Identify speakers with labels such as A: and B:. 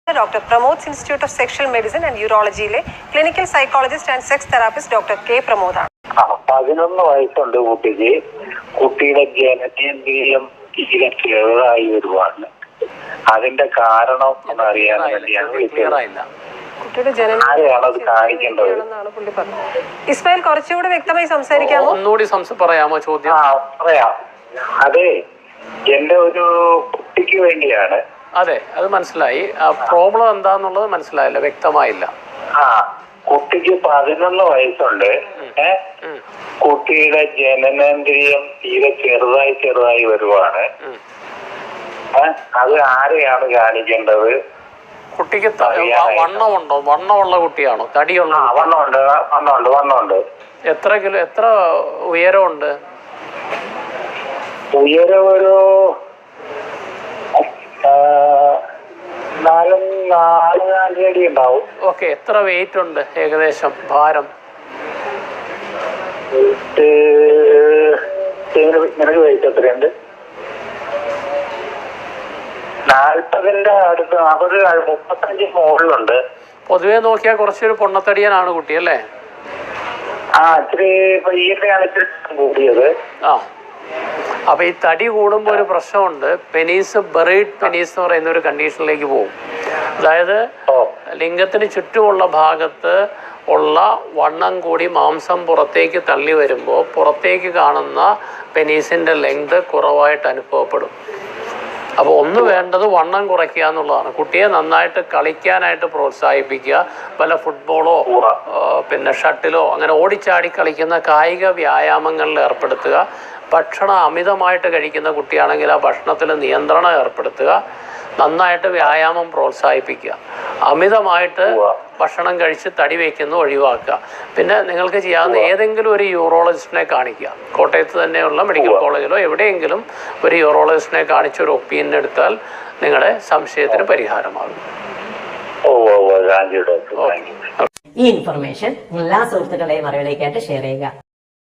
A: Dr. Pramod's Institute of Sexual Medicine and Urology-യിലെ clinical psychologist and sex therapist doctor K പ്രമോദാണ്.
B: 11 വയസ്സുണ്ട് കുട്ടിക്ക്. കുട്ടിയുടെ ജനനേന്ദ്രിയം തീരെ ചെറുതായി വരുവാണ്. അതിന്റെ കാരണം എന്നറിയാൻ വേണ്ടിയാണ് വിളിച്ചത്.
A: കുട്ടിയുടെ ജനനം കാണിക്കേണ്ടത് പുള്ളി പറഞ്ഞു. ഇസ്മായിൽ കുറച്ചുകൂടി വ്യക്തമായി സംസാരിക്കാമോ?
C: ഒന്നുകൂടി പറയാമോ ചോദ്യം?
B: പറയാം. അതെ, എന്റെ ഒരു കുട്ടിക്ക് വേണ്ടിയാണ്.
C: അതെ, അത് മനസ്സിലായി. പ്രോബ്ലം എന്താന്നുള്ളത് മനസ്സിലായില്ല, വ്യക്തമായില്ല.
B: കുട്ടിക്ക് 11 വയസ്സുണ്ട്. കുട്ടിയുടെ ജനനേന്ദ്രിയം തീരെ ചെറുതായി വരുവാണ്. അത് ആരെയാണ് കാണിക്കേണ്ടത്?
C: കുട്ടിക്ക് വണ്ണമുണ്ടോ? വണ്ണമുള്ള കുട്ടിയാണോ? തടിയുള്ള?
B: വണ്ണമുണ്ട്.
C: എത്ര ഉയരമുണ്ട്?
B: ഉയരം ഒരു 4 അടി ഉണ്ടാവും.
C: ഓക്കെ, എത്ര വെയിറ്റ് ഉണ്ട് ഏകദേശം? ഭാരം
B: നിനക്ക് വെയിറ്റ് എത്രയുണ്ട്? 40ന്റെ അടുത്ത് 35 മുകളിലുണ്ട്.
C: പൊതുവെ നോക്കിയാൽ കുറച്ചൊരു പൊണ്ണത്തടിയനാണ് കുട്ടി അല്ലേ?
B: ഇച്ചിരി പയ്യന്നെയാണ് ഇച്ചിരി കൂടിയത്.
C: അപ്പൊ ഈ തടി കൂടുമ്പോൾ ഒരു പ്രശ്നമുണ്ട്. ബെറീഡ് പെനീസ് എന്ന് പറയുന്ന ഒരു കണ്ടീഷനിലേക്ക് പോകും. അതായത് ലിംഗത്തിന് ചുറ്റുമുള്ള ഭാഗത്ത് ഉള്ള വണ്ണം കൂടി മാംസം പുറത്തേക്ക് തള്ളി വരുമ്പോൾ പുറത്തേക്ക് കാണുന്ന പെനീസിന്റെ ലെങ്ത് കുറവായിട്ട് അനുഭവപ്പെടും. അപ്പോൾ ഒന്ന് വേണ്ടത് വണ്ണം കുറയ്ക്കുക എന്നുള്ളതാണ്. കുട്ടിയെ നന്നായിട്ട് കളിക്കാനായിട്ട് പ്രോത്സാഹിപ്പിക്കുക. പല ഫുട്ബോളോ പിന്നെ ഷട്ടിലോ അങ്ങനെ ഓടിച്ചാടി കളിക്കുന്ന കായിക വ്യായാമങ്ങളിൽ ഏർപ്പെടുത്തുക. ഭക്ഷണം അമിതമായിട്ട് കഴിക്കുന്ന കുട്ടിയാണെങ്കിൽ ആ ഭക്ഷണത്തിൽ നിയന്ത്രണം ഏർപ്പെടുത്തുക. നന്നായിട്ട് വ്യായാമം പ്രോത്സാഹിപ്പിക്കുക. അമിതമായിട്ട് ഭക്ഷണം കഴിച്ച് തടി വയ്ക്കുന്ന ഒഴിവാക്കുക. പിന്നെ നിങ്ങൾക്ക് ചെയ്യാവുന്ന ഏതെങ്കിലും ഒരു യൂറോളജിസ്റ്റിനെ കാണിക്കുക. കോട്ടയത്ത് തന്നെയുള്ള മെഡിക്കൽ കോളേജിലോ എവിടെയെങ്കിലും ഒരു യൂറോളജിസ്റ്റിനെ കാണിച്ചൊരു ഒപ്പീനിയൻ എടുത്താൽ നിങ്ങളുടെ സംശയത്തിന് പരിഹാരമാകും.
D: ഈ ഇൻഫർമേഷൻ എല്ലാ സുഹൃത്തുക്കളെയും അറിവിലേക്കായിട്ട് ഷെയർ ചെയ്യുക.